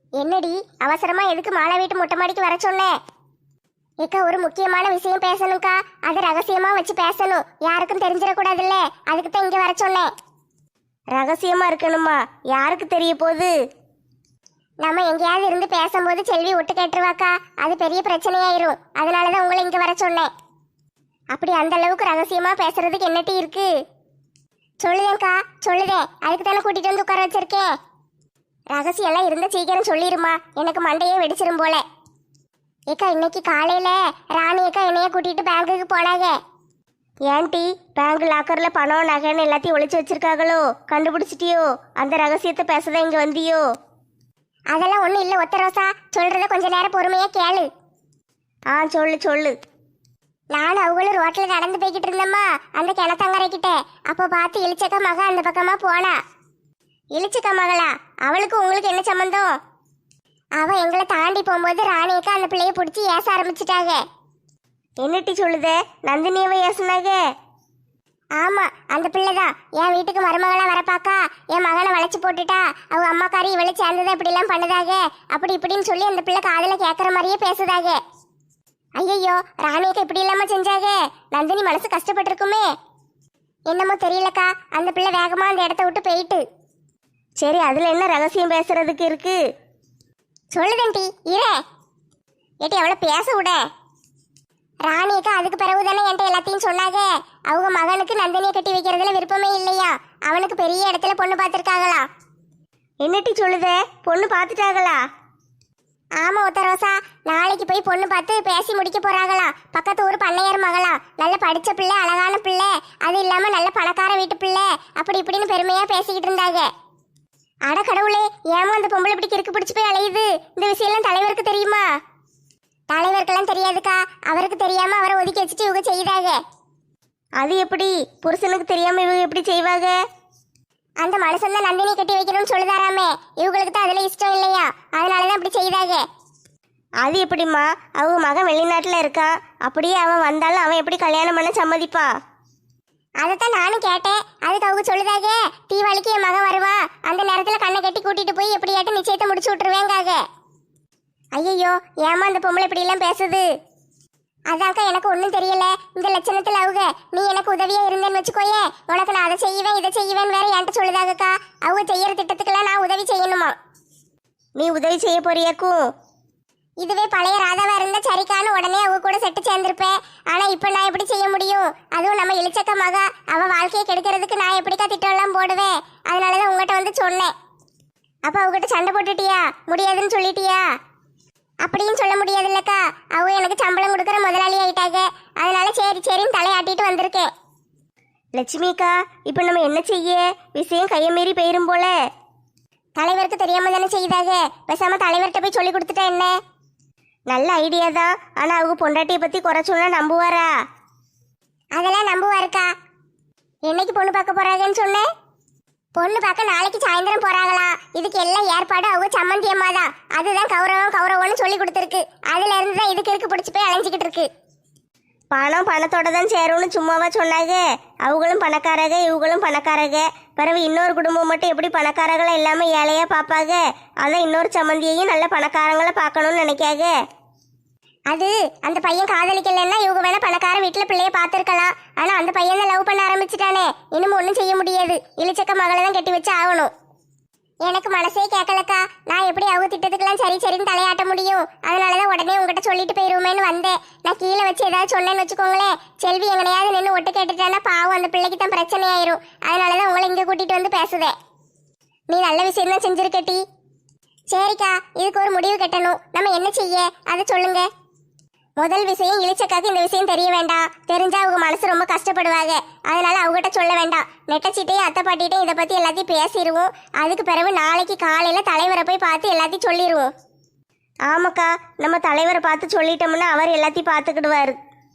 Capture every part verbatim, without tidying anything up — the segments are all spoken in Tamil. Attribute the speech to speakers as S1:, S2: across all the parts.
S1: என்னடி அவசரமா எதுக்கு மாலா வீட்டு மொட்டை மாடிக்கு வர சொன்னேன்? ஏக்கா ஒரு முக்கியமான விஷயம் பேசணும்க்கா, அது ரகசியமா வச்சு பேசணும், யாருக்கும் தெரிஞ்சிடக்கூடாதுல்ல, அதுக்கு தான் இங்க வர சொன்னேன்.
S2: ரகசியமா இருக்கணுமா? யாருக்கு தெரிய போகுது?
S1: நம்ம எங்கேயாவது இருந்து பேசும்போது செல்வி ஒட்டு கேட்டுருவாக்கா, அது பெரிய பிரச்சனையாயிரும். அதனாலதான் உங்களை இங்க வர சொன்னேன். அப்படி அந்த அளவுக்கு ரகசியமா பேசுறதுக்கு என்னட்டி இருக்கு? சொல்லுதேன்க்கா சொல்லுதேன், அதுக்கு தானே கூட்டிட்டு வந்து உட்கார வச்சிருக்கேன். ரகசியம் எல்லாம் இருந்த சீக்கிரம் சொல்லிருமா, எனக்கு மண்டையே வெடிச்சிரும் போல. ஏக்கா இன்னைக்கு காலையில ராணி அக்கா என்னைய கூட்டிட்டு பேங்குக்கு போனாங்க.
S2: ஏன்டி பேங்க் லாக்கர்ல பணம் நகைன்னு எல்லாத்தையும் ஒளிச்சு வச்சிருக்காங்களோ? கண்டுபிடிச்சிட்டியோ? அந்த ரகசியத்தை பேசதான் இங்க வந்தியோ?
S1: அதெல்லாம் ஒண்ணும் இல்ல ஒத்த ரோசா, சொல்றத கொஞ்ச நேரம் பொறுமையா கேளு.
S2: ஆ சொல்லு சொல்லு.
S1: நானும் அவங்களும் ரோட்ல நடந்து போய்கிட்டு இருந்தோமா, அந்த கிணத்தங்கரை கிட்ட. அப்போ பார்த்து இளிச்சக்கா மக அந்த பக்கமா போனா. இளிச்சக்கா மகளா? அவளுக்கு உங்களுக்கு என்ன சம்பந்தம்? அவ எங்களை தாண்டி போகும்போது ராணியக்கா அந்த பிள்ளைய பிடிச்சி ஏச ஆரம்பிச்சிட்டாங்க.
S2: என்னட்டி சொல்லுதே? நந்தினியவை ஏசுனாங்க?
S1: ஆமா, அந்த பிள்ளைதான் என் வீட்டுக்கு மருமகளா வரப்பாக்கா என் மகனை வளைச்சு போட்டுட்டா, அவங்க அம்மாக்காரி இவளை சேர்ந்ததை இப்படி எல்லாம் பண்ணுதாக, அப்படி இப்படின்னு சொல்லி அந்த பிள்ளை காதுல கேட்கற மாதிரியே பேசுதாக. ஐயோ, ராணியக்கா இப்படி இல்லாம செஞ்சாக, நந்தினி மனசு கஷ்டப்பட்டிருக்குமே. என்னமோ தெரியலக்கா, அந்த பிள்ளை வேகமா அந்த இடத்த விட்டு போயிட்டு.
S2: சரி, அதுல என்ன ரகசியம் பேசுறதுக்கு இருக்கு?
S1: சொல்லுதன்டி இரே. ஏட்டி அவளை பேச விட. ராணியக்கா அதுக்கு பிறகு தானே என்கிட்ட எல்லாத்தையும் சொன்னாங்க. அவங்க மகனுக்கு நந்தினியை கட்டி வைக்கிறதுல விருப்பமே இல்லையா, அவனுக்கு பெரிய இடத்துல பொண்ணு பார்த்துருக்காங்களா.
S2: என்னட்டி சொல்லுதே? பொண்ணு பார்த்துட்டாங்களா?
S1: ஆமா ஒத்த ரோசா, நாளைக்கு போய் பொண்ணு பார்த்து பேசி முடிக்க போறாங்களாம். பக்கத்து ஊர் பண்ணையார் மகளா, நல்ல படிச்ச பிள்ளை, அழகான பிள்ளை, அது இல்லாம நல்ல பணக்கார வீட்டு பிள்ளை, அப்படி இப்படின்னு பெருமையா பேசிக்கிட்டு இருந்தாங்க. அட கடவுளே, ஏமா அந்த பொம்பளை இப்படி கிறுக்கு பிடிச்சு போய் அலையுது? இந்த விஷயம்லாம் தலைவருக்கு தெரியுமா? தலைவருக்கெல்லாம் தெரியாதுக்கா, அவருக்கு தெரியாம அவரை ஒதுக்கி வச்சுட்டு இவங்க செய்தாங்க.
S2: அது எப்படி? புருஷனுக்கு தெரியாம இவங்க எப்படி செய்வாங்க?
S1: அந்த மனுஷன் தான் நந்தினி கட்டி வைக்கணும்னு சொல்லுதாராமே, இவங்களுக்கு தான் அதுல இஷ்டம் இல்லையா, அதனாலதான் அப்படி செய்தாங்க.
S2: அது எப்படிம்மா? அவங்க மகன் வெளிநாட்டுல இருக்கான், அப்படியே அவன் வந்தாலும் அவன் எப்படி கல்யாணம் பண்ண சம்மதிப்பான்?
S1: அதைத்தான் நானும் கேட்டேன். அதுக்கு அவங்க சொல்லுதாக, தீபாவளிக்கு என் மகன் வருவா, அந்த நேரத்துல கண்ணை கட்டி கூட்டிட்டு போய் எப்படியாட்டும் நிச்சயத்தை முடிச்சு விட்டுருவேங்காக. ஐயோ, ஏமா அந்த பொம்பளை இப்படி எல்லாம் பேசுது? அதாக்கா எனக்கு ஒன்றும் தெரியல. இந்த லட்சணத்துல அவங்க நீ எனக்கு உதவியா இருந்தேன்னு வச்சுக்கோயே, உனக்கு நான் அதை செய்வேன் இதை செய்வேன் வேற என்கிட்ட சொல்லுதாகக்கா. அவங்க செய்யற திட்டத்துக்கெல்லாம் நான் உதவி செய்யணுமா?
S2: நீ உதவி செய்ய போறியாக்கும்?
S1: இதுவே பழைய ராதாவா இருந்தா சரிக்கான்னு உடனே அவங்க கூட செட்டு சேர்ந்திருப்பேன். ஆனா இப்ப நான் எப்படி செய்ய முடியும்? அதுவும் நம்ம இளிச்சக்க மகா, அவ வாழ்க்கையை கெடுக்கிறதுக்கு நான் எப்படிக்கா திட்டம் எல்லாம் போடுவேன்? அதனாலதான் உங்ககிட்ட வந்து சொன்னேன். அப்ப அவகிட்ட சண்டை போட்டுட்டியா? முடியாதுன்னு சொல்லிட்டியா? அப்படின்னு சொல்ல முடியாது இல்லக்கா, அவங்க எனக்கு சம்பளம் கொடுக்குற முதலாளி ஆயிட்டாங்க. அதனால சரி சரின்னு தலையாட்டிட்டு வந்திருக்கேன்.
S2: லட்சுமிக்கா, இப்போ நம்ம என்ன செய்ய? விஷயம் கையை மீறி போயிரும் போல.
S1: தலைவருக்கு தெரியாம தானே செய்தாக, பேசாம தலைவர்கிட்ட போய் சொல்லி கொடுத்துட்டா என்ன?
S2: நல்ல ஐடியா தான். ஆனா அவங்க பொண்டாட்டியை பத்தி குறை சொன்னா நம்புவாரா?
S1: அதெல்லாம் நம்புவாருக்கா. என்னைக்கு பொண்ணு பார்க்க போறாங்கன்னு சொன்னேன்? பொண்ணு பார்க்க நாளைக்கு சாயந்தரம் போறாங்களா. இதுக்கு எல்லாம் ஏற்பாடு அவங்க சம்மந்தி அம்மா தான். அதுதான் கௌரவம் கௌரவம்னு சொல்லி கொடுத்துருக்கு. அதுல இருந்து தான் இதுக்கு இருக்கு பிடிச்சி போய் அலைஞ்சிக்கிட்டு இருக்கு.
S2: பணம் பணத்தோட தான் சேரும்னு சும்மாவா சொன்னாங்க? அவங்களும் பணக்காரங்க, இவங்களும் பணக்காரங்க. பிறகு இன்னொரு குடும்பம் மட்டும் எப்படி பணக்காரங்களா இல்லாம ஏழையா பார்ப்பாங்க? அதான் இன்னொரு சம்மந்தியையும் நல்ல பணக்காரங்களை பார்க்கணும்னு நினைக்காங்க.
S1: அது அந்த பையன் காதலிக்கலன்னா இவங்க வேணா பணக்கார வீட்டுல பிள்ளைய பார்த்துருக்கலாம். ஆனா அந்த பையன் தான் லவ் பண்ண ஆரம்பிச்சுட்டானே, இன்னும் ஒன்றும் செய்ய முடியாது. இளிச்சக்க மகளை தான் கட்டி வச்சு ஆகணும். எனக்கு மனசே கேட்கலக்கா, நான் எப்படி அவங்க திட்டத்துக்கெல்லாம் சரி சரின்னு தலையாட்ட முடியும்? அதனாலதான் உடனே உங்ககிட்ட சொல்லிட்டு போயிருவோமேன்னு வந்தேன். நான் கீழே வச்சு ஏதாவது சொன்னேன்னு வச்சுக்கோங்களேன், செல்வி எங்கனையாவது நின்று ஒட்டு கேட்டுட்டானா பாவம் அந்த பிள்ளைக்கு தான் பிரச்சனை ஆயிரும். அதனாலதான் உங்களை இங்க கூட்டிட்டு வந்து பேசுதேன். நீ நல்ல விஷயம் தான் செஞ்சிருக்கட்டி. சரிக்கா, இதுக்கு ஒரு முடிவு கட்டணும். நம்ம என்ன செய்ய அதை சொல்லுங்க. முதல் விஷயம், இளிச்சக்காக்கு இந்த விஷயம் தெரிய வேண்டாம். தெரிஞ்சா அவங்க மனசு ரொம்ப கஷ்டப்படுவாங்க. அதனால அவங்ககிட்ட சொல்ல வேண்டாம். நெட்டச்சிட்டையும் அத்தை பாட்டிட்டையும் இதை பத்தி எல்லாத்தையும் பேசிடுவோம். அதுக்கு பிறகு நாளைக்கு காலையில தலைவரை போய் பார்த்து எல்லாத்தையும் சொல்லிடுவோம்.
S2: ஆமாக்கா, நம்ம தலைவரை பார்த்து சொல்லிட்டோம்னா அவர் எல்லாத்தையும் பார்த்துக்கிடுவாரு.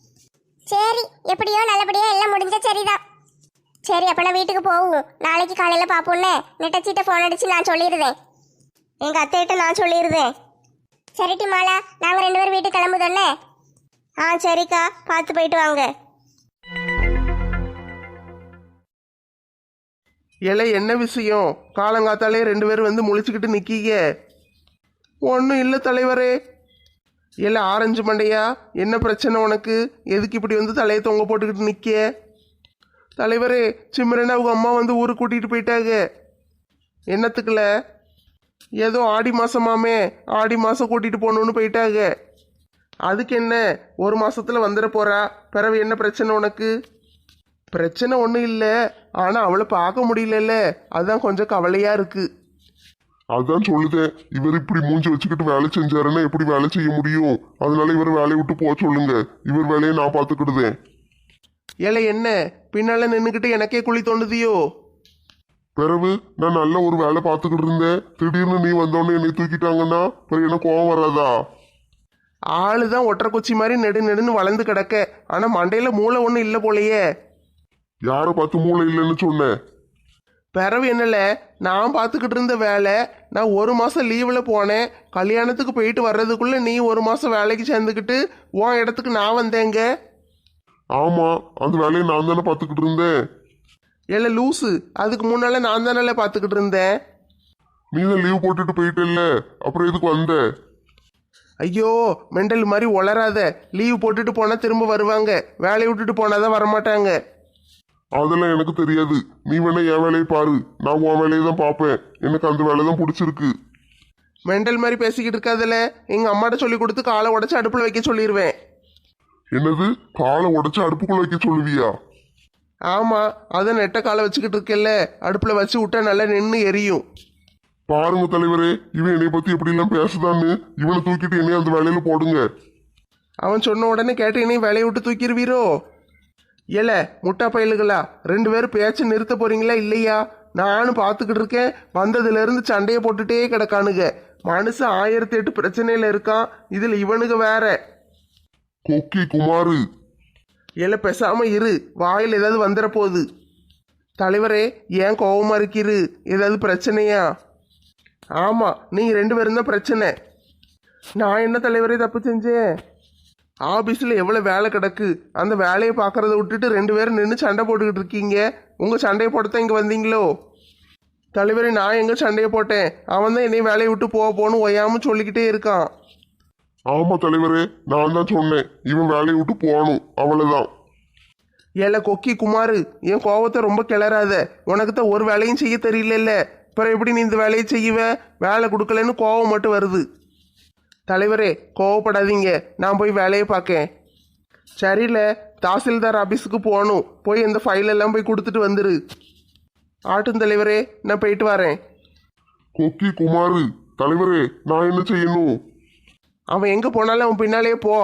S1: சரி, எப்படியோ நல்லபடியோ எல்லாம் முடிஞ்சா சரிதான். சரி, அப்ப நான் வீட்டுக்கு போவோம். நாளைக்கு காலையில பாப்போம்னு நெட்டச்சிட்ட போன் அடிச்சு நான் சொல்லிடுவேன்.
S2: எங்க அத்தைகிட்ட நான் சொல்லிடுவேன்.
S1: சரிட்டி மாலா, நாங்க ரெண்டு பேரும் வீட்டுக்கு கிளம்புதோன்னே.
S2: ஆ சரிக்கா, பார்த்து போயிட்டு வாங்க.
S3: ஏலே என்ன விஷயம்? காலங்காத்தாலே ரெண்டு பேரும் வந்து முழிச்சுக்கிட்டு நிக்கீங்க. ஒன்றும் இல்லை தலைவரே. இல்லை ஆரஞ்சு மண்டையா, என்ன பிரச்சனை உனக்கு? எதுக்கு இப்படி வந்து தலையை தொங்க போட்டுக்கிட்டு நிற்க? தலைவரே, சிம்ரன் அவங்க அம்மா வந்து ஊருக்கு கூட்டிகிட்டு போயிட்டாங்க. என்னத்துக்குல? ஏதோ ஆடி மாதமாமே, ஆடி மாதம் கூட்டிகிட்டு போகணுன்னு போயிட்டாங்க. அதுக்கு என்ன, ஒரு மாசத்துல வந்துட போறா. பிறகு என்ன பிரச்சனை உனக்கு? பிரச்சனை ஒன்றும் இல்லை, ஆனால் அவளை பார்க்க முடியலல்ல, அதுதான் கொஞ்சம் கவலையாக இருக்கு.
S4: அதான் சொல்லுதேன், இவர் இப்படி மூஞ்சி வச்சுக்கிட்டு வேலை செஞ்சாருன்னா எப்படி வேலை செய்ய முடியும்? அதனால இவர் வேலையை விட்டு போக சொல்லுங்க, இவர் வேலையை நான் பார்த்துக்கிடுதேன்.
S3: ஏல என்ன பின்னால நின்றுக்கிட்டு எனக்கே குழி தோண்டுதியோ?
S4: பிறகு நான் நல்ல ஒரு வேலை பார்த்துக்கிட்டு இருந்தேன், திடீர்னு நீ வந்தோடனே என்னை தூக்கிட்டாங்கன்னா பிறகு எனக்கு கோவம் வராதா?
S3: ஆளு தான் ஒற்றை குச்சி மாதிரி நெடு நெடுன்னு வளர்ந்து கிடக்க, ஆனால் மண்டையில் மூளை ஒன்றும் இல்லை போலையே.
S4: யாரை பார்த்து மூளை இல்லைன்னு சொன்னேன்?
S3: பிறவு என்னல, நான் பார்த்துக்கிட்டு இருந்த வேலை, நான் ஒரு மாதம் லீவில் போனேன். கல்யாணத்துக்கு போயிட்டு வர்றதுக்குள்ளே நீ ஒரு மாதம் வேலைக்கு சேர்ந்துக்கிட்டு உன் இடத்துக்கு நான் வந்தேங்க.
S4: ஆமா, அந்த வேலையை நான் தானே பார்த்துக்கிட்டு இருந்தேன்.
S3: இல்லை லூஸு, அதுக்கு முன்னால நான் தானே பார்த்துக்கிட்டு இருந்தேன்.
S4: நீ தான் லீவ் போட்டுட்டு போயிட்டல்ல, அப்புறம் எதுக்கு வந்த?
S3: ஐயோ மெண்டல் மாதிரி உளராத. லீவ் போட்டுட்டு போனால் திரும்ப வருவாங்க, வேலையை விட்டுட்டு போனாதான் வரமாட்டாங்க.
S4: அதெல்லாம் எனக்கு தெரியாது, நீ வேணா என் வேலையை பாரு, நான் உன் வேலையை தான் பார்ப்பேன். எனக்கு அந்த வேலை தான் பிடிச்சிருக்கு.
S3: மெண்டல் மாதிரி பேசிக்கிட்டு இருக்காதுல, எங்கள் அம்மாட்ட சொல்லி கொடுத்து காலை உடச்சி அடுப்பில் வைக்க சொல்லிடுவேன்.
S4: என்னது, காலை உடைச்சு அடுப்புக்குள்ள வைக்க சொல்லுவியா?
S3: ஆமாம், அதை நெட்ட காலை வச்சுக்கிட்டு இருக்கேல்ல, அடுப்பில் வச்சு விட்டா நல்லா நின்று எரியும்.
S4: பாருங்க தலைவரே, இவன் என்னை பத்தி எப்படி எல்லாம் பேசுதான்னு. இவனை தூக்கிட்டு என்னைய அந்த வேலையில போடுங்க.
S3: அவன் சொன்ன உடனே கேட்டு என்னையும் வேலையை விட்டு தூக்கிடுவீரோ? ஏல முட்டா பயலுகளா, ரெண்டு பேரும் பேச்சு நிறுத்த போறீங்களா இல்லையா? நானும் பார்த்துக்கிட்டு இருக்கேன், வந்ததுலேருந்து சண்டையை போட்டுட்டே கிடக்கானுங்க. மனுஷன் ஆயிரத்தி எட்டு பிரச்சனையில் இருக்கான், இதில் இவனுங்க வேற.
S4: கொக்கி குமாரு,
S3: ஏல பேசாம இரு, வாயில் ஏதாவது வந்துட போகுது. தலைவரே, ஏன் கோவமா இருக்கிறு? ஏதாவது பிரச்சனையா? ஆமாம், நீங்கள் ரெண்டு பேரும் தான் பிரச்சனை. நான் என்ன தலைவரே தப்பு செஞ்சேன்? ஆஃபீஸில் எவ்வளோ வேலை கிடக்கு, அந்த வேலையை பார்க்குறத விட்டுட்டு ரெண்டு பேரும் நின்று சண்டை போட்டுக்கிட்டு இருக்கீங்க. உங்கள் சண்டையை போட்டுத்தான் இங்கே வந்தீங்களோ? தலைவரே, நான் எங்கே சண்டையை போட்டேன்? அவன் தான் என்னையும் வேலையை விட்டு போக போகணும் ஒய்யாமல் சொல்லிக்கிட்டே இருக்கான்.
S4: ஆமா தலைவரே, நான் தான் சொன்னேன் இவன் வேலையை விட்டு போகணும், அவ்வளவுதான்.
S3: ஏல கொக்கி குமாரு, என் கோவத்தை ரொம்ப கிளறாத. உனக்கு தான் ஒரு வேலையும் செய்ய தெரியல, அப்புறம் எப்படி நீ இந்த வேலையை செய்வ? வேலை கொடுக்கலன்னு கோவம் மட்டும் வருது. தலைவரே, கோவப்படாதீங்க, நான் போய் வேலையை பார்க்கேன். சரியில்ல, தாசில்தார் ஆஃபீஸுக்கு போகணும், போய் இந்த ஃபைல் எல்லாம் போய் கொடுத்துட்டு வந்துரு. ஆட்டும் தலைவரே, நான் போயிட்டு வரேன்.
S4: கொக்கி குமாரு, தலைவரே நான் என்ன செய்யணும்?
S3: அவன் எங்கே போனாலும் அவன் பின்னாலே போ.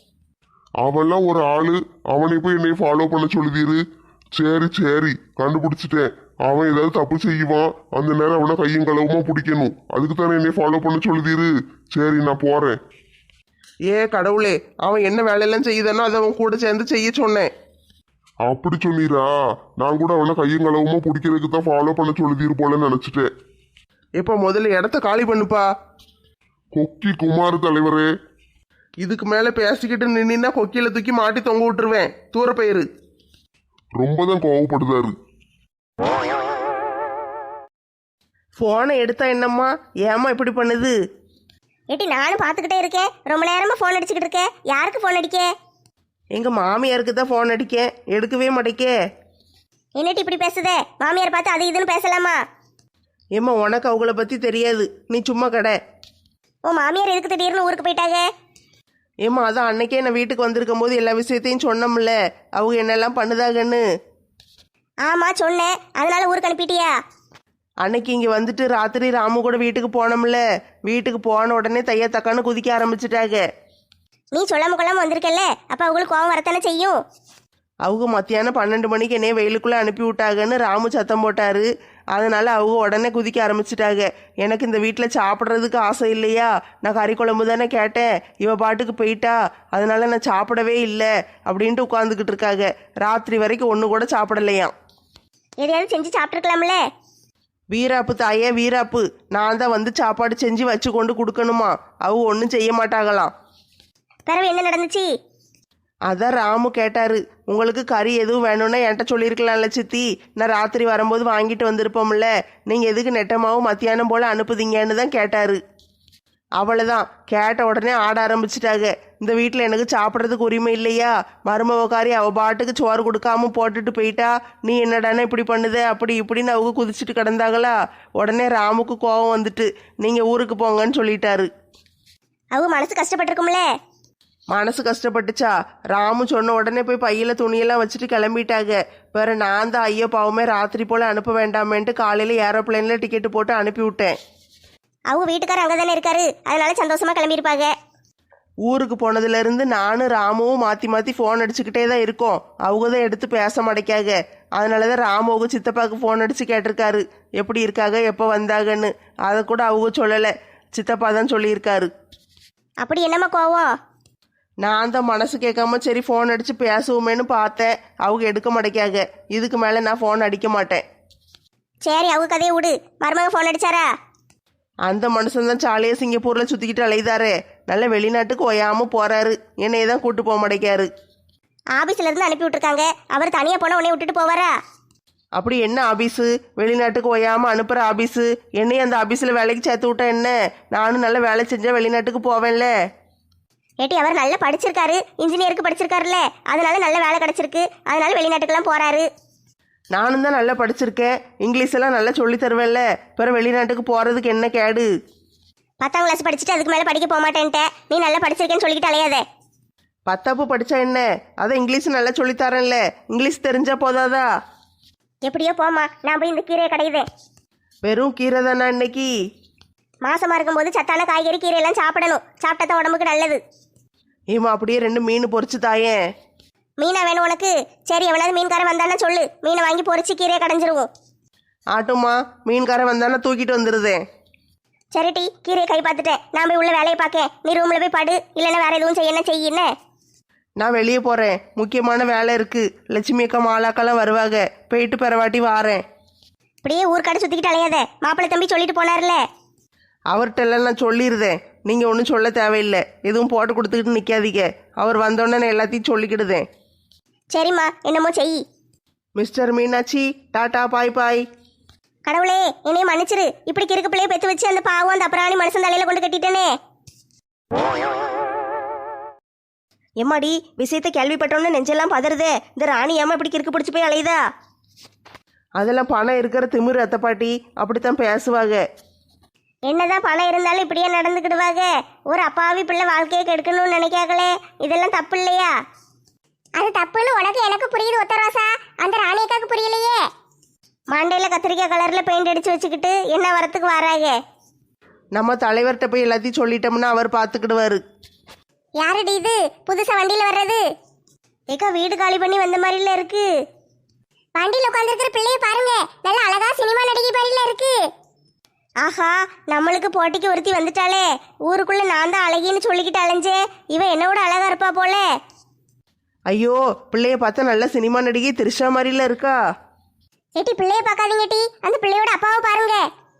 S4: அவன்லாம் ஒரு ஆளு, அவனை போய் என்னை ஃபாலோ பண்ண சொல்லுதீரு. சரி சரி, கண்டுபிடிச்சிட்டேன். அவன் ஏதாவது தப்பு செய்வான், அந்த நேரம் அவனை கையும் களவுமா பிடிக்கணும். அதுக்கு தானே என்னை ஃபாலோ பண்ண சொல்லுதீரு. சரி, நான் போறேன்.
S3: ஏ கடவுளே, அவன் என்ன வேலையெல்லாம் செய்யுதானோ அதை அவன் கூட சேர்ந்து செய்ய சொன்னேன்.
S4: அப்படி சொன்னீரா? நான் கூட அவனை கையும் களவுமா பிடிக்கிறதுக்கு தான் ஃபாலோ பண்ண சொல்லுதீரு போல நினைச்சிட்டேன்.
S3: இப்போ முதல்ல இடத்த காலி பண்ணுப்பா.
S4: கொக்கி குமார் தலைவரே,
S3: இதுக்கு மேலே பேசிக்கிட்டு நின்னா கொக்கியில் தூக்கி மாட்டி தொங்க விட்டுருவேன். தூர பயிரு.
S4: ரொம்ப தான் கோவப்படுதாரு.
S3: ஃபோனை எடுத்தா என்னம்மா, ஏம்மா இப்படி பண்ணுது?
S2: ஏட்டி, நானும் பார்த்துக்கிட்டே இருக்கேன், ரொம்ப நேரமா ஃபோன் அடிச்சுக்கிட்டு இருக்கேன். யாருக்கு ஃபோன் அடிக்க?
S3: எங்கள் மாமியாருக்கு தான் ஃபோன் அடிக்கேன், எடுக்கவே மாட்டேக்கே.
S2: என்னட்டி இப்படி பேசுதே? மாமியார் பார்த்து அது இதுன்னு பேசலாமா?
S3: ஏம்மா, உனக்கு அவங்கள பற்றி தெரியாது, நீ சும்மா கடை.
S2: உன் மாமியார் எதுக்கு திடீர்னு ஊருக்கு போயிட்டாங்க?
S3: ஏம்மா, அதான் அன்னைக்கே நான் வீட்டுக்கு வந்திருக்கும் போது எல்லா விஷயத்தையும் சொன்னோம்ல, அவங்க என்னெல்லாம் பண்ணுதாகன்னு.
S2: ஆமா சொன்னேன், அதனால ஊருக்கு அனுப்பிட்டியா?
S3: அன்னைக்கு இங்கே வந்துட்டு ராத்திரி ராமு கூட வீட்டுக்கு போனோம்ல, வீட்டுக்கு போன உடனே தைய தக்கான்னு குதிக்க ஆரம்பிச்சிட்டாங்க.
S2: நீ சொல்லாம கொள்ளாம வந்திருக்கல்ல, அப்ப அவங்களுக்கு கோவம் வரத்தானே செய்யும்.
S3: அவங்க மத்தியானம் பன்னெண்டு மணிக்கு என்னைய வெயிலுக்குள்ளே அனுப்பி விட்டாங்கன்னு ராமு சத்தம் போட்டாரு. அதனால அவங்க உடனே குதிக்க ஆரம்பிச்சிட்டாங்க. எனக்கு இந்த வீட்டில் சாப்பிட்றதுக்கு ஆசை இல்லையா, நான் கறி குழம்பு தானே கேட்டேன், இவ பாட்டுக்கு போயிட்டா, அதனால நான் சாப்பிடவே இல்லை அப்படின்ட்டு உட்காந்துக்கிட்டு இருக்காங்க. ராத்திரி வரைக்கும் ஒன்று கூட சாப்பிடலையாம்.
S2: எதையாவது செஞ்சு சாப்பிட்டுருக்கலாம்ல.
S3: வீராப்பு தாயே வீராப்பு, நான் தான் வந்து சாப்பாடு செஞ்சு வச்சு கொண்டு கொடுக்கணுமா, அவங்க ஒன்றும் செய்ய மாட்டாங்களாம்.
S2: பிறகு என்ன நடந்துச்சு?
S3: அதான் ராமு கேட்டாரு, உங்களுக்கு கறி எதுவும் வேணும்னா என்கிட்ட சொல்லியிருக்கலாம்ல சித்தி, நான் ராத்திரி வரும்போது வாங்கிட்டு வந்திருப்போம்ல, நீங்கள் எதுக்கு நெட்டமாவும் மத்தியானம் போல் அனுப்புதீங்கன்னு தான் கேட்டாரு.
S5: அவ்வளோதான், கேட்ட உடனே ஆட ஆரம்பிச்சிட்டாங்க. இந்த வீட்டில் எனக்கு சாப்பிட்றதுக்கு உரிமை இல்லையா? மருமவக்காரி அவ பாட்டுக்கு சோறு கொடுக்காம போட்டுட்டு போயிட்டா, நீ என்னடானே இப்படி பண்ணுத அப்படி இப்படின்னு அவங்க குதிச்சுட்டு கிடந்தாங்களா. உடனே ராமுக்கு கோபம் வந்துட்டு நீங்கள் ஊருக்கு போங்கன்னு சொல்லிட்டாரு.
S2: அவங்க மனசு கஷ்டப்பட்டிருக்கும்ல.
S5: மனசு கஷ்டப்பட்டுச்சா? ராமு சொன்ன உடனே போய் பையில துணியெல்லாம் வச்சுட்டு கிளம்பிட்டாங்க. வேற நான் தான் ஐயோ பாவமே ராத்திரி போல் அனுப்ப வேண்டாமேன்ட்டு காலையில் ஏரோப்ளேனில் டிக்கெட்டு போட்டு அனுப்பி விட்டேன்.
S2: அவங்க வீட்டுக்காரர் அங்கே தானே இருக்காரு, அதனால சந்தோஷமா கிளம்பியிருப்பாங்க.
S5: ஊருக்கு போனதுலேருந்து நானும் ராமுவும் மாற்றி மாற்றி ஃபோன் அடிச்சுக்கிட்டே தான் இருக்கோம். அவங்க தான் எடுத்து பேச மாட்டேக்காக. அதனால தான் ராமுவுக்கு சித்தப்பாவுக்கு ஃபோன் அடித்து கேட்டிருக்காரு எப்படி இருக்காங்க எப்போ வந்தாங்கன்னு. அதை கூட அவங்க சொல்லலை, சித்தப்பா தான் சொல்லியிருக்காரு.
S2: அப்படி என்னம்மா கோவம்?
S5: நான் தான் மனசு கேட்காம சரி ஃபோன் அடித்து பேசுவோமேன்னு பார்த்தேன். அவங்க எடுக்க மாட்டேக்காக. இதுக்கு மேலே நான் ஃபோன் அடிக்க மாட்டேன்.
S2: சரி அவங்க கதையை விடு. மருமக ஃபோன் அடிச்சாரா?
S5: அந்த மனுஷன் தான் சாலையை சிங்கப்பூரில் சுற்றிக்கிட்டு அலைதாரே. நல்ல வெளிநாட்டுக்கு ஒயாமல் போகிறாரு. என்னையே தான் கூட்டு போக மாட்டேக்காரு.
S2: ஆபீஸ்ல இருந்து அனுப்பி விட்டுருக்காங்க. அவர் தனியாக போனால் உன்னை விட்டுட்டு போவாரா?
S5: அப்படி என்ன ஆபீஸு? வெளிநாட்டுக்கு ஒயாமல் அனுப்புகிற ஆபீஸு. என்னையும் அந்த ஆபீஸில் வேலைக்கு சேர்த்து விட்டா என்ன? நானும் நல்ல வேலை செஞ்சால் வெளிநாட்டுக்கு போவேன்ல.
S2: ஏட்டி அவர் நல்லா படிச்சிருக்காரு, இன்ஜினியருக்கு படிச்சிருக்காருல்ல, அதனால நல்ல வேலை கிடைச்சிருக்கு. அதனால வெளிநாட்டுக்கெல்லாம் போறாரு.
S5: நானும் தான் நல்லா படிச்சிருக்கேன், இங்கிலீஷ் எல்லாம் நல்லா சொல்லி தருவேன்ல. பிறகு வெளிநாட்டுக்கு போகிறதுக்கு என்ன கேடு?
S2: பத்தாம் கிளாஸ் படிச்சுட்டு அதுக்கு மேலே படிக்க போக மாட்டேன்ட்ட. நீ நல்லா படிச்சிருக்கேன்னு சொல்லிக்கிட்டு அலையாதே.
S5: பத்தாப்பு படித்தா என்ன? அதான் இங்கிலீஷ் நல்லா சொல்லித்தரேன்ல. இங்கிலீஷ் தெரிஞ்சா போதாதா?
S2: எப்படியோ போமா, நான் போய் இந்த கீரையை கடையுதேன்.
S5: வெறும் கீரை தானே இன்னைக்கு?
S2: மாசமா இருக்கும்போது சத்தான காய்கறி கீரையெல்லாம் சாப்பிடணும். சாப்பிட்டா தான் உடம்புக்கு நல்லது.
S5: ஏமா அப்படியே ரெண்டு மீன் பொரிச்சு தாயேன்.
S2: மீனா வேணும் உனக்கு? சரி, எவனாவது மீன்காரன் வந்தானே சொல்லு, மீனை வாங்கி பொரிச்சு கீரையை கடைஞ்சிருவோம்.
S5: ஆட்டுமா, மீன்காரன் வந்தானே தூக்கிட்டு வந்துடுதேன்.
S2: சரி டி, கீரையை கை பார்த்துட்டேன். நான் போய் உள்ள வேலையை பார்க்கேன். நீ ரூம்ல போய் படு, இல்லைன்னா வேற எதுவும் செய்ய என்ன செய்ய.
S5: நான் வெளியே போகிறேன், முக்கியமான வேலை இருக்குது. லட்சுமி அக்கா மாலாக்கெல்லாம் வருவாங்க. போயிட்டு பிறவாட்டி வாரேன்.
S2: இப்படியே ஊர்க்காடு சுற்றிக்கிட்டு அலையாத. மாப்பிள்ளை தம்பி சொல்லிட்டு போனார்ல.
S5: அவர்கிட்டெல்லாம் நான் சொல்லிடுதேன். நீங்கள் ஒன்றும் சொல்ல தேவையில்லை. எதுவும் போட்டு கொடுத்துக்கிட்டு நிற்காதீங்க. அவர் வந்தோடனே நான் எல்லாத்தையும் சொல்லிக்கிடுதேன்.
S2: சரிம்மா, என்னமோ செய்.
S5: Mister Meenakshi, tata bye bye.
S2: கடவுளே, என்னைய மன்னிச்சிரு. இப்படி கிறுக்கு பிள்ளைய பெற்று வச்சு அந்த பாவம் அந்த அப்புறாணி மனுஷன் தலையில கொண்டு கட்டிட்டேனே.
S6: எம்மாடி, விஷயத்தை கேள்விப்பட்டோன்னு நெஞ்செல்லாம் பதறுதே. இந்த ராணி ஏமா இப்படி கிறுக்கு பிடிச்சி போய் அலையுதா?
S5: அதெல்லாம் பணம் இருக்கிற திமிரு அத்தை பாட்டி, அப்படித்தான் பேசுவாங்க.
S2: என்னதான் பணம் இருந்தாலும் இப்படியே நடந்துக்கிடுவாங்க. ஒரு அப்பாவி பிள்ளை வாழ்க்கையை கெடுக்கணும்னு நினைக்காங்களே, இதெல்லாம் தப்பு இல்லையா?
S1: அது தப்புன்னு உனக்கு எனக்கு புரியுது ஒத்த ரோசா, அந்த ராணியக்காக்கு புரியலையே.
S2: மண்டையில கத்திரிக்காய் கலர்ல பெயிண்ட் அடிச்சு வச்சுக்கிட்டு என்ன வரத்துக்கு வராங்க?
S5: நம்ம தலைவர்கிட்ட போய் எல்லாத்தையும் சொல்லிட்டோம்னா அவர் பார்த்துக்கிடுவாரு.
S1: யாருடி இது புதுசா வண்டியில வர்றது?
S2: ஏக்கா, வீடு காலி பண்ணி வந்த மாதிரில இருக்கு.
S1: வண்டியில உட்காந்துருக்கிற பிள்ளைய பாருங்க, நல்ல அழகா சினிமா நடிகை மாதிரில இருக்கு.
S2: ஆஹா, நம்மளுக்கு போட்டிக்கு ஒருத்தி வந்துட்டாளே. ஊருக்குள்ள நான் தான் அழகின்னு சொல்லிக்கிட்டு அலைஞ்சேன். இவன் என்னோட அழகா இருப்பா போல.
S5: ஐயோ, பிள்ளைய பார்த்தா நல்ல சினிமா நடிகை திரிஷா மாதிரில இருக்கா.
S1: ஏட்டி பிள்ளைய பார்க்காதீங்க டி, அந்த பிள்ளையோட அப்பாவை பாருங்க.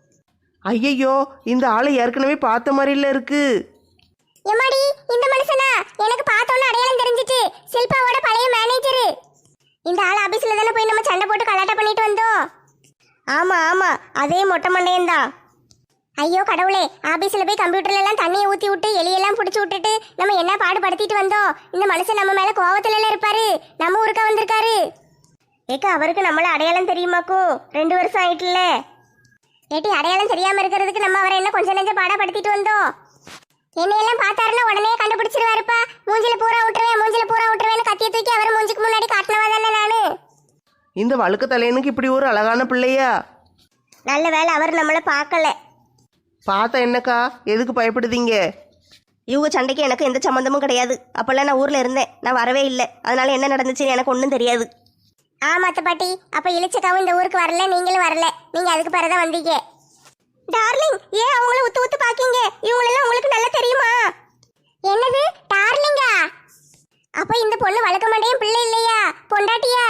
S5: ஐயையோ, இந்த ஆளை ஏற்கனவே பார்த்த மாதிரில இருக்கு.
S1: எம்மாடி, இந்த மனுஷனா? எனக்கு பார்த்தோன்னு அடையாளம் தெரிஞ்சிட்டு. சில்பாவோட பழைய மேனேஜரு. இந்த ஆள் ஆபீஸ்ல தானே போய் நம்ம சண்டை போட்டு கலாட்டா பண்ணிட்டு வந்தோம்.
S2: ஆமா ஆமா, அதே மொட்டை மண்டையன் தான்.
S1: ஐயோ கடவுளே, ஆபீஸ்ல போய் கம்ப்யூட்டர்ல எல்லாம் தண்ணியை ஊத்தி விட்டு எலியெல்லாம் பிடிச்சி விட்டுட்டு நம்ம என்ன பாடுபடுத்திட்டு வந்தோம். இந்த மனுஷன் நம்ம மேல கோவத்துல எல்லாம் இருப்பாரு. நம்ம ஊருக்கா வந்திருக்காரு.
S2: ஏக்கா, அவருக்கு நம்மள அடையாளம் தெரியுமாக்கும்? ரெண்டு வருஷம் ஆயிட்டுல.
S1: ஏட்டி, அடையாளம் தெரியாம இருக்கிறதுக்கு நம்ம அவரை என்ன கொஞ்சம் நெஞ்ச பாடப்படுத்திட்டு வந்தோம். என்னையெல்லாம் பார்த்தாருன்னா உடனே கண்டுபிடிச்சிருவாருப்பா. மூஞ்சில பூரா விட்டுருவேன், மூஞ்சில பூரா விட்டுருவேன்னு கத்திய தூக்கி அவர் மூஞ்சிக்கு முன்னாடி காட்டினவா தானே நானு.
S5: இந்த வழுக்க தலையனுக்கு இப்படி ஒரு அழகான பிள்ளையா?
S2: நல்ல வேலை அவர் நம்மளை பார்க்கல.
S5: பார்த்தா என்னக்கா, எதுக்கு பயப்படுதீங்க?
S6: இவங்க சண்டைக்கு எனக்கு எந்த சம்மந்தமும் கிடையாது. அப்பெல்லாம் நான் ஊர்ல இருந்தேன், நான் வரவே இல்லை. அதனால என்ன நடந்துச்சுன்னு எனக்கு ஒன்றும் தெரியாது.
S1: ஆமா அத்தை பாட்டி, அப்ப இளிச்சக்காவும் இந்த ஊருக்கு வரல, நீங்களும் வரல. நீங்க அதுக்கு பிறகுதான் வந்தீங்க.
S2: டார்லிங், ஏன் அவங்கள உத்து உத்து பாக்கீங்க? இவங்களெல்லாம் உங்களுக்கு நல்லா தெரியுமா?
S1: என்னது டார்லிங்கா? அப்ப இந்த பொண்ணு வழக்க மாட்டேன் பிள்ளை இல்லையா, பொண்டாட்டியா?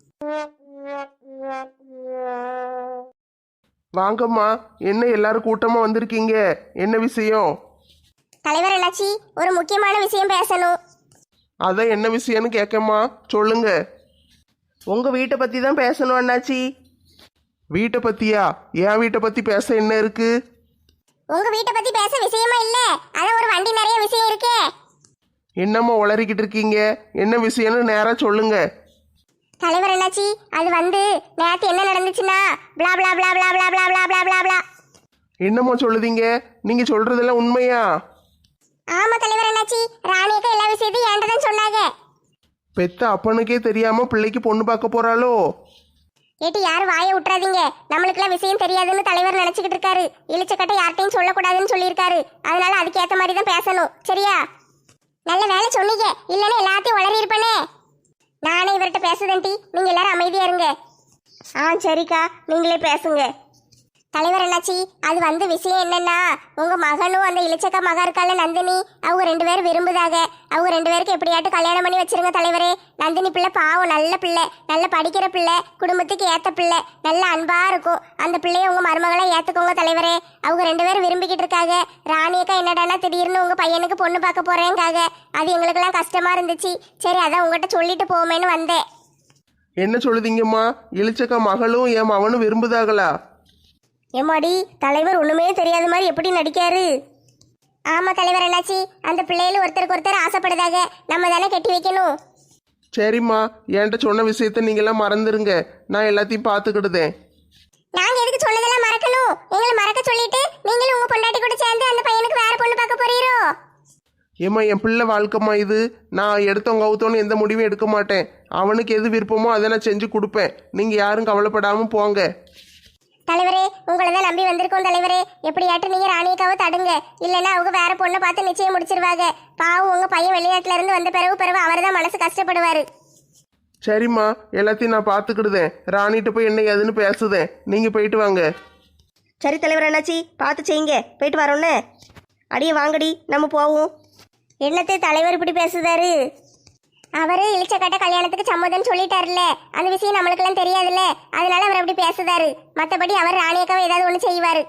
S3: வாங்கம்மா, என்ன எல்லாரும் கூட்டமா வந்திருக்கீங்க? என்ன விஷயம்?
S1: தலைவர் அண்ணாச்சி, ஒரு முக்கியமான விஷயம் பேசணும்.
S3: அதான் என்ன விஷயம்னு கேட்கம்மா, சொல்லுங்க.
S5: உங்க வீட்டை பத்தி தான் பேசணும் அண்ணாச்சி.
S3: வீட்டை பத்தியா? என் வீட்டை பத்தி பேச என்ன இருக்கு?
S1: உங்க வீட்டை பத்தி பேச விஷயமா இல்ல, அதான் ஒரு வண்டி நிறைய விஷயம் இருக்கே.
S3: என்னம்மா உளறிக்கிட்டு இருக்கீங்க? என்ன விஷயம்னு நேரா சொல்லுங்க.
S1: தலைவர் என்னாச்சி, அது வந்து நேத்து என்ன நடந்துச்சுன்னா blah blah blah blah blah blah blah blah blah blah.
S3: என்னம்மா சொல்லுதீங்க? நீங்க சொல்றதெல்லாம் உண்மையா?
S1: ஆமா தலைவர் என்னாச்சி, ராணியக்கா எல்லா விஷயத்தையும் என்கிட்ட தான் சொன்னாங்க.
S3: பெத்த அப்பனுக்கே தெரியாம பிள்ளைக்கு பொண்ணு பார்க்க போறாளோ?
S1: ஏட்டி யாரும் வாயை விட்டுறாதீங்க, நம்மளுக்குலாம் விஷயம் தெரியாதுன்னு தலைவர் நினைச்சுக்கிட்டு இருக்காரு. இழிச்சக்கட்டை யார்ட்டையும் சொல்லக்கூடாதுன்னு சொல்லியிருக்காரு. அதனால அதுக்கேற்ற மாதிரி தான் பேசணும், சரியா? நல்ல வேலை சொன்னீங்க, இல்லைன்னா எல்லாத்தையும் உளறி இருப்பேனே. நானே இவர்கிட்ட பேசுதேன் டி, நீங்க எல்லாரும் அமைதியா இருங்க.
S2: ஆ சரிக்கா, நீங்களே பேசுங்க.
S1: தலைவர் என்னாச்சி, அது வந்து விஷயம் என்னன்னா, உங்க மகனும் அந்த இளிச்சக்கா மகா இருக்கால நந்தினி, அவங்க ரெண்டு பேரும் விரும்புதாக. அவங்க ரெண்டு பேருக்கு எப்படியாட்டு கல்யாணம் பண்ணி வச்சிருங்க தலைவரே. நந்தினி பிள்ளை பாவம், நல்ல பிள்ளை, நல்ல படிக்கிற பிள்ளை, குடும்பத்துக்கு ஏத்த பிள்ளை, நல்ல அன்பா இருக்கும். அந்த பிள்ளைய உங்க மருமகளை ஏத்துக்கோங்க தலைவரே. அவங்க ரெண்டு பேரும் விரும்பிக்கிட்டு இருக்காங்க. ராணியக்கா என்னடானா திடீர்னு உங்க பையனுக்கு பொண்ணு பார்க்க போறேங்காக. அது எங்களுக்கெல்லாம் கஷ்டமா இருந்துச்சு. சரி அதான் உங்ககிட்ட சொல்லிட்டு போமேன்னு வந்தேன்.
S3: என்ன சொல்லுதீங்கம்மா? இளிச்சக்கா மகளும் என் மவனும் விரும்புதாங்களா?
S2: ஏமாடி, தலைவர் ஒண்ணுமே தெரியாத மாதிரி எப்படி நடிக்காரு?
S1: ஆமா தலைவர் என்னாச்சி, அந்த பிள்ளைகளும் ஒருத்தருக்கு ஒருத்தர் ஆசைப்படுதாக. நம்ம தானே கட்டி வைக்கணும்.
S3: சரிம்மா, என்கிட்ட சொன்ன விஷயத்த நீங்களாம் மறந்துருங்க. நான் எல்லாத்தையும் பார்த்துக்கிடுதேன்.
S1: நாங்க எதுக்கு சொன்னதெல்லாம் மறக்கணும்? எங்களை மறக்க சொல்லிட்டு நீங்களும் உங்க பொண்டாட்டி கூட சேர்ந்து அந்த பையனுக்கு வேற பொண்ணு பார்க்க போறீரோ?
S3: ஏம்மா, என் பிள்ளை வாழ்க்கைம்மா இது. நான் எடுத்தவங்க அவுத்தோன்னு எந்த முடிவும் எடுக்க மாட்டேன். அவனுக்கு எது விருப்பமோ அதை நான் செஞ்சு கொடுப்பேன். நீங்க யாரும் கவலைப்படாம போங்க.
S1: தலைவரே, உங்களை தான் நம்பி வந்திருக்கோம் தலைவரே. எப்படியாட்டும் நீங்க ராணியக்காவை தடுங்க, இல்லைன்னா அவங்க வேற பொண்ணை பார்த்து நிச்சயம் முடிச்சிருவாங்க. பாவம், உங்க பையன் வெளிநாட்டுல இருந்து வந்த பிறகு பிறகு அவர் தான் மனசு கஷ்டப்படுவாரு.
S3: சரிம்மா, எல்லாத்தையும் நான் பார்த்துக்கிடுதேன். ராணிகிட்ட போய் என்ன ஏதுன்னு பேசுதேன். நீங்க போயிட்டு வாங்க.
S6: சரி தலைவர் என்னாச்சி, பார்த்து செய்யுங்க, போயிட்டு வரோன்னு. அடியே வாங்கடி, நம்ம போவோம்.
S2: என்னத்தை தலைவர் இப்படி பேசுதாரு?
S1: அவரு இளிச்சக்கட்ட கல்யாணத்துக்கு சம்மதம் சொல்லிட்டாருல்ல, அந்த விஷயம் நம்மளுக்கெல்லாம் தெரியாதுல்ல, அதனால அவர் அப்படி பேசுதாரு. மற்றபடி அவர் ராணியக்காவை ஏதாவது ஒன்று செய்வாரு.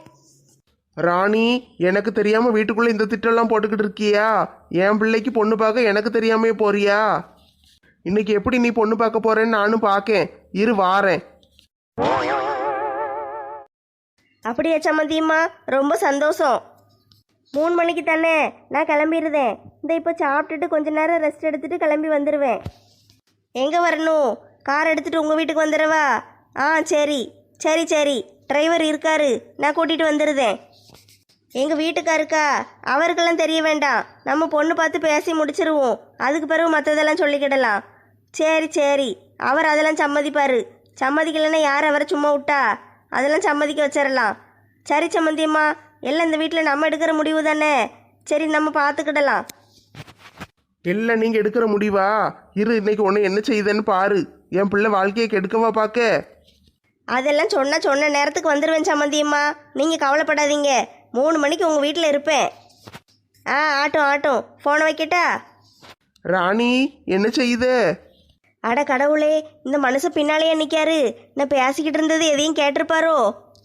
S3: ராணி, எனக்கு தெரியாம வீட்டுக்குள்ள இந்த திட்டம்லாம் போட்டுக்கிட்டு இருக்கியா? என் பிள்ளைக்கு பொண்ணு பார்க்க எனக்கு தெரியாமே போறியா? இன்னைக்கு எப்படி நீ பொண்ணு பார்க்க போறேன்னு நானும் பார்க்கேன். இரு வாரேன்.
S2: அப்படியா சம்மந்தியம்மா, ரொம்ப சந்தோஷம். மூணு மணிக்கு தானே நான் கிளம்பிடுதேன். இந்த இப்போ சாப்பிட்டுட்டு கொஞ்ச நேரம் ரெஸ்ட் எடுத்துட்டு கிளம்பி வந்துடுவேன். எங்கே வரணும்? கார் எடுத்துட்டு உங்கள் வீட்டுக்கு வந்துடுவா? ஆ சரி சரி சரி, டிரைவர் இருக்காரு, நான் கூட்டிகிட்டு வந்துடுதேன். எங்கள் வீட்டுக்காருக்கா? அவருக்கெல்லாம் தெரிய வேண்டாம், நம்ம பொண்ணு பார்த்து பேசி முடிச்சிருவோம். அதுக்கு பிறகு மற்றதெல்லாம் சொல்லிக்கிடலாம். சரி சரி, அவர் அதெல்லாம் சம்மதிப்பார். சம்மதிக்கலைன்னா யார் அவரை சும்மா விட்டா? அதெல்லாம் சம்மதிக்க வச்சிடலாம். சரி சம்மந்தியம்மா, எல்லாம் இந்த வீட்டில் நம்ம எடுக்கிற முடிவு தானே. சரி, நம்ம பார்த்துக்கிடலாம்.
S3: இல்லை, நீங்க எடுக்கிற முடிவா? இரு, இன்னைக்கு உன்னை என்ன செய்யுதுன்னு பாரு. என் பிள்ளை வாழ்க்கையை கெடுக்கவா பார்க்க?
S2: அதெல்லாம் சொன்னால் சொன்ன நேரத்துக்கு வந்துடுவேன் சம்மந்தியம்மா, நீங்கள் கவலைப்படாதீங்க. மூணு மணிக்கு உங்கள் வீட்டில் இருப்பேன். ஆ ஆட்டும் ஆட்டும், ஃபோனை வைக்கட்டா?
S3: ராணி, என்ன செய்யுது?
S2: அட கடவுளே, இந்த மனுஷன் பின்னாலேயே நிற்காரு. நான் பேசிக்கிட்டு இருந்தது எதையும் கேட்டிருப்பாரோ?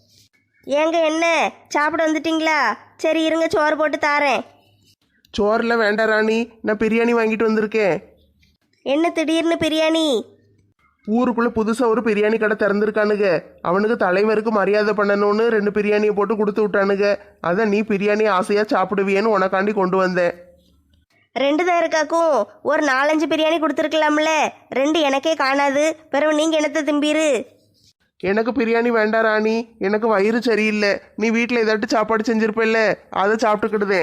S2: ஏங்க என்ன சாப்பிட வந்துட்டீங்களா? சரி இருங்க, சோறு போட்டு தாரேன்.
S3: சோறில் வேண்டாம் ராணி, நான் பிரியாணி வாங்கிட்டு வந்திருக்கேன்.
S2: என்ன திடீர்னு பிரியாணி?
S3: ஊருக்குள்ள புதுசாக ஒரு பிரியாணி கடை திறந்துருக்கானுங்க. அவனுக்கு தலைவருக்கு மரியாதை பண்ணணும்னு ரெண்டு பிரியாணியை போட்டு கொடுத்து விட்டானுங்க. அதான் நீ பிரியாணி ஆசையாக சாப்பிடுவியன்னு உனக்காண்டி கொண்டு வந்தேன்.
S2: ரெண்டு தான் இருக்காக்கும், ஒரு நாலஞ்சு பிரியாணி கொடுத்துருக்கலாம்ல. ரெண்டு எனக்கே காணாது, பிறகு நீங்கள் என்னத்தை திம்பீரு?
S3: எனக்கு பிரியாணி வேண்டாம் ராணி, எனக்கு வயிறு சரியில்லை. நீ வீட்டில் ஏதாட்டு சாப்பாடு செஞ்சிருப்பில்ல, அதை சாப்பிட்டுக்கிடுதே.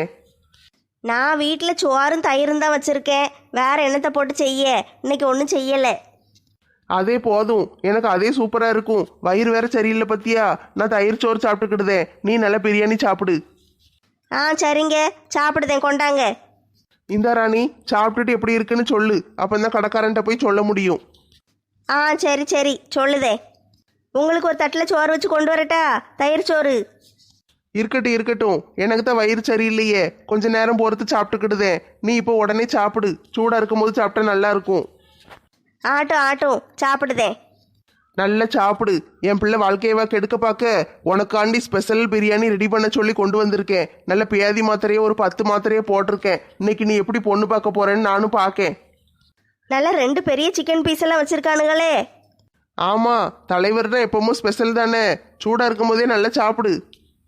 S2: நான் வீட்டில் சோறும் தயிரும் தான் வச்சுருக்கேன், வேற என்னத்தை போட்டு செய்ய? இன்னைக்கு ஒன்றும் செய்யலை.
S3: அதே போதும், எனக்கு அதே சூப்பராக இருக்கும். வயிறு வேற சரியில்லை பத்தியா? நான் தயிர் சோறு சாப்பிட்டுக்கிடுதே, நீ நல்லா பிரியாணி சாப்பிடு.
S2: ஆ சரிங்க, சாப்பிடுதேன், கொண்டாங்க.
S3: இந்த ராணி, சாப்பிட்டுட்டு எப்படி இருக்குன்னு சொல்லு, அப்போ தான் கடைக்காரன்ட்ட போய் சொல்ல முடியும்.
S2: ஆ சரி சரி, சொல்லுதே. உங்களுக்கு ஒரு தட்டில் சோறு வச்சு கொண்டு வரட்டா? தயிர் சோறு.
S3: இருக்கட்டும் இருக்கட்டும், எனக்கு தான் வயிறு சரியில்லையே, கொஞ்ச நேரம் பொறுத்து சாப்பிட்டுக்கிடுதே. நீ இப்போ உடனே சாப்பிடு, சூடாக இருக்கும் போது சாப்பிட்டா நல்லா இருக்கும்.
S2: ஆட்டும் ஆட்டும், சாப்பிடுதேன்.
S3: நல்லா சாப்பிடு. என் பிள்ளை வாழ்க்கையவா கெடுக்க பார்க்க உனக்காண்டி ஸ்பெஷல் பிரியாணி ரெடி பண்ண சொல்லி கொண்டு வந்திருக்கேன். நல்ல பியாதி மாத்திரையே ஒரு பத்து மாத்திரையே போட்டிருக்கேன். இன்னைக்கு நீ எப்படி பொண்ணு பார்க்க போறேன்னு நானும் பார்க்கேன்.
S2: நல்லா ரெண்டு பெரிய சிக்கன் பீஸ் எல்லாம் வச்சிருக்கானுங்களே.
S3: ஆமா, தலைவர் தான் எப்பவும் ஸ்பெஷல் தானே. சூடா இருக்கும் போதே நல்லா சாப்பிடு.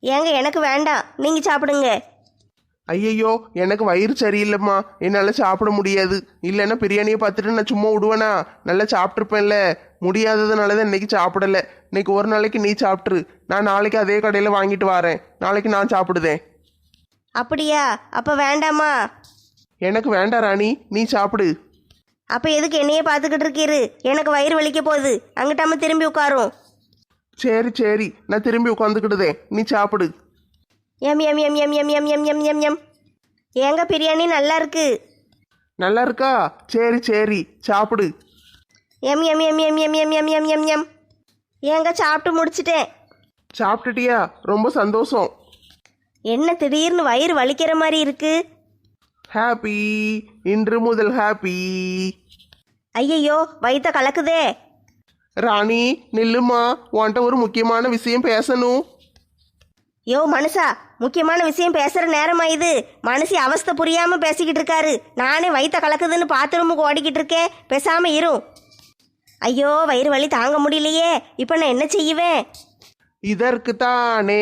S6: ஏங்க எனக்கு வேண்டாம், நீங்க சாப்பிடுங்க.
S3: ஐயையோ எனக்கு வயிறு சரியில்லைம்மா, என்னால் சாப்பிட முடியாது. இல்லைன்னா பிரியாணியை பார்த்துட்டு நான் சும்மா விடுவேனா? நல்லா சாப்பிட்ருப்பேன்ல. முடியாததுனால தான் இன்னைக்கு சாப்பிடல. இன்னைக்கு ஒரு நாளைக்கு நீ சாப்பிட்ரு, நான் நாளைக்கு அதே கடையில் வாங்கிட்டு வரேன். நாளைக்கு நான் சாப்பிடுதேன்.
S6: அப்படியா? அப்ப வேண்டாமா?
S3: எனக்கு வேண்டாம் ராணி, நீ சாப்பிடு.
S6: அப்ப எதுக்கு என்னையே பார்த்துக்கிட்டு இருக்கீரு? எனக்கு வயிறு வலிக்க போகுது, அங்கிட்டாம திரும்பி உட்காரும்.
S3: சரி சரி, நான் திரும்பி உட்காந்துக்கிடுதேன், நீ சாப்பிடு.
S6: எம் எம் எம் எம் எம் எம் எம் எம் எம் எம் ஏங்க பிரியாணி நல்லா இருக்கு.
S3: நல்லா இருக்கா? சரி சரி, சாப்பிடு.
S6: எம் எம் எம் எம் எம் எம் எம் எம் எம் எம் ஏங்க சாப்பிட்டு முடிச்சிட்டேன்.
S3: சாப்பிட்டுட்டியா? ரொம்ப சந்தோஷம்.
S6: என்ன திடீர்னு வயிறு வலிக்கிற மாதிரி இருக்கு?
S3: ஹாப்பி, இன்று முதல் ஹாப்பி.
S6: ஐயையோ, வயித்த கலக்குதே.
S3: ராணி நில்லுமா, உன்கிட்ட ஒரு முக்கியமான விஷயம் பேசணும்.
S6: யோ மனுஷா, முக்கியமான விஷயம் பேசுற நேரமா இது? மனுஷி அவஸ்தை புரியாம பேசிக்கிட்டு இருக்காரு. நானே வயித்த கலக்குதுன்னு பாத்ரூமுக்கு ஓடிக்கிட்டு இருக்கேன். பேசாம இரும். ஐயோ, வயிறு வலி தாங்க முடியலையே. இப்ப நான் என்ன செய்வேன்?
S3: இதற்கு தானே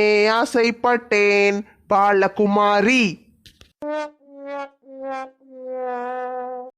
S3: ஆசைப்பட்டேன் பாலகுமாரி.